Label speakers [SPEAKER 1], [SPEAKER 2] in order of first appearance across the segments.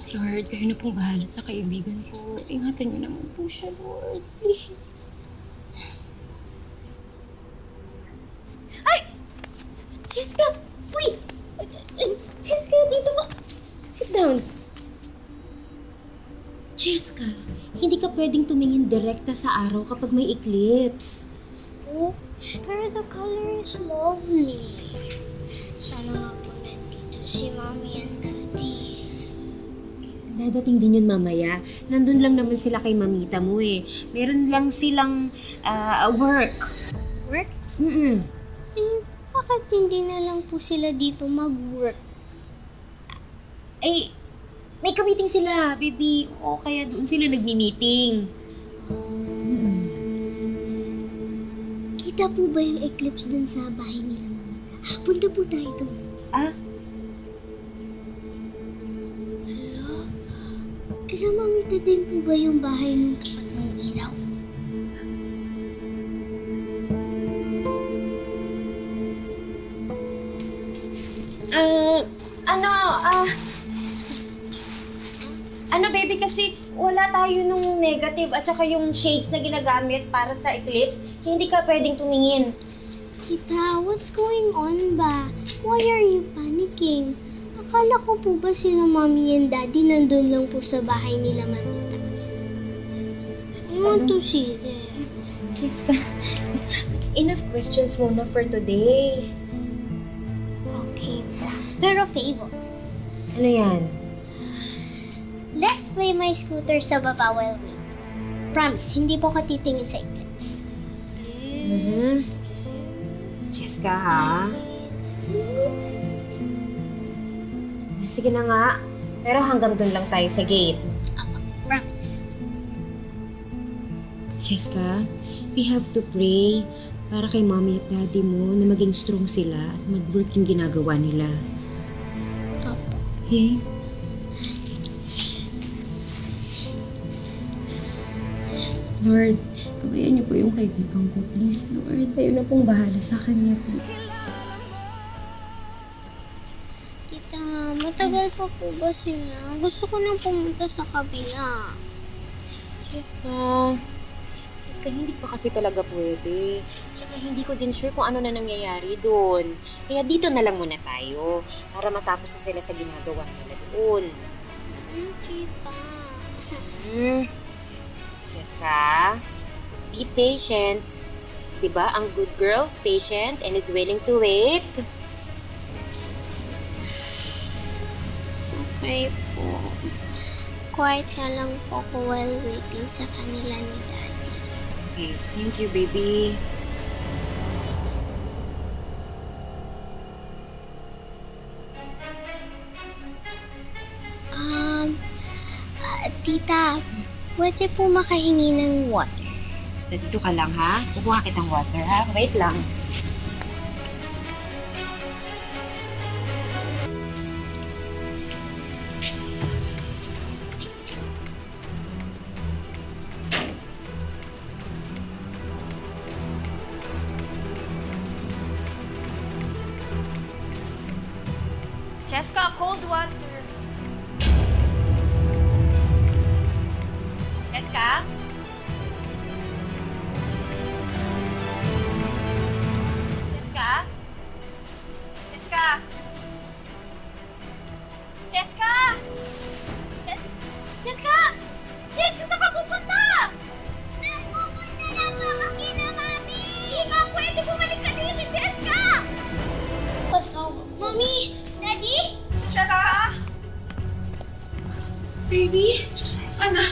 [SPEAKER 1] Lord, kayo na pong bahala sa kaibigan ko. Ingatan niyo naman po siya, Lord. Please.
[SPEAKER 2] Ay! Jessica! Wait! Jessica, dito ka! Sit down. Jessica, hindi ka pwedeng tumingin direkta sa araw kapag may eclipse.
[SPEAKER 3] Oh, pero the color is lovely. Sana nga po nandito si Mommy and Daddy.
[SPEAKER 2] Dadating din yun mamaya. Nandun lang naman sila kay mamita mo eh. Meron lang silang work.
[SPEAKER 3] Work?
[SPEAKER 2] Mm-mm.
[SPEAKER 3] Bakit hindi na lang po sila dito mag-work?
[SPEAKER 2] Eh, may ka-meeting sila, baby. O kaya doon sila nagmi-meeting.
[SPEAKER 3] Kita po ba yung eclipse dun sa bahay nila, Mamita? Punta po tayo dun.
[SPEAKER 2] Ah?
[SPEAKER 3] Alam, Mamita, din po ba yung bahay ng tapat ng ilaw?
[SPEAKER 2] Ano baby, kasi wala tayo nung negative at saka yung shades na ginagamit para sa eclipse, hindi ka pwedeng tumingin.
[SPEAKER 3] Tita, what's going on ba? Why are you panicking? Akala ko po ba sila Mommy and Daddy nandun lang po sa bahay nila, Mamita? I want to see them.
[SPEAKER 2] Jessica, enough questions muna for today.
[SPEAKER 3] Okay po. Pero favor,
[SPEAKER 2] Ano yan?
[SPEAKER 3] let's play my scooter sa baba while waiting. Promise, hindi po ka titingin sa eclipse.
[SPEAKER 2] Jessica, ha? Sige na nga. Pero hanggang doon lang tayo sa gate.
[SPEAKER 3] Apa, promise.
[SPEAKER 2] Jessica, we have to pray para kay mommy at daddy mo na maging strong sila at mag-work yung ginagawa nila.
[SPEAKER 3] Apa.
[SPEAKER 2] Okay? Lord, kabayan niyo po yung kaibigan ko. Please, Lord. Kayo na pong bahala sa kanya, please.
[SPEAKER 3] Tita, matagal pa po ba sila? Gusto ko nang pumunta sa kabila.
[SPEAKER 2] Jessica, hindi pa kasi talaga pwede. Tsaka hindi ko din sure kung ano na nangyayari doon. Kaya dito na lang muna tayo para matapos na sila sa ginagawa nila doon.
[SPEAKER 3] Tita.
[SPEAKER 2] Jessica, be patient. Diba ang good girl, patient, and is willing to wait?
[SPEAKER 3] Okay po. Quiet na lang po ako while waiting sa kanila ni Daddy.
[SPEAKER 2] Okay, thank you, baby.
[SPEAKER 3] Tita, pwede po makahingi ng water.
[SPEAKER 2] Basta dito ka lang, ha? Kukuha kitang water, ha? Wait lang. Jessica, cold water. Jessica? Jessica? Jessica? Jessica? Jessica? Jessica, saan ka pupunta?
[SPEAKER 3] Nagpupunta lang po ako kina Mami!
[SPEAKER 2] Hindi ka pwede bumalik ka dito, Jessica!
[SPEAKER 3] Mami! Daddy?
[SPEAKER 1] Jessica? Baby? Anak?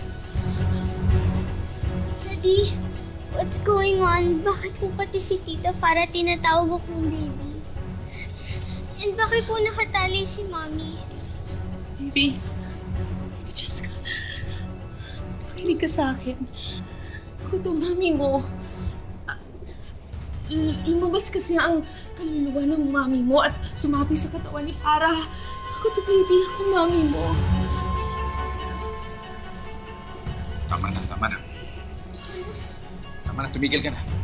[SPEAKER 3] Daddy? What's going on? Bakit po pati si Tita para tinatawag akong baby? And bakit po nakatali si Mami?
[SPEAKER 1] Baby? Jessica? Makinig ka sa akin. Ako to, mami mo. Lumabas kasi ang kaluluwa ng mami mo at sumabi sa katawan ni Farah. Ako to, baby. Ako mami mo.
[SPEAKER 4] Tama na. Tama na, tumigil ka na.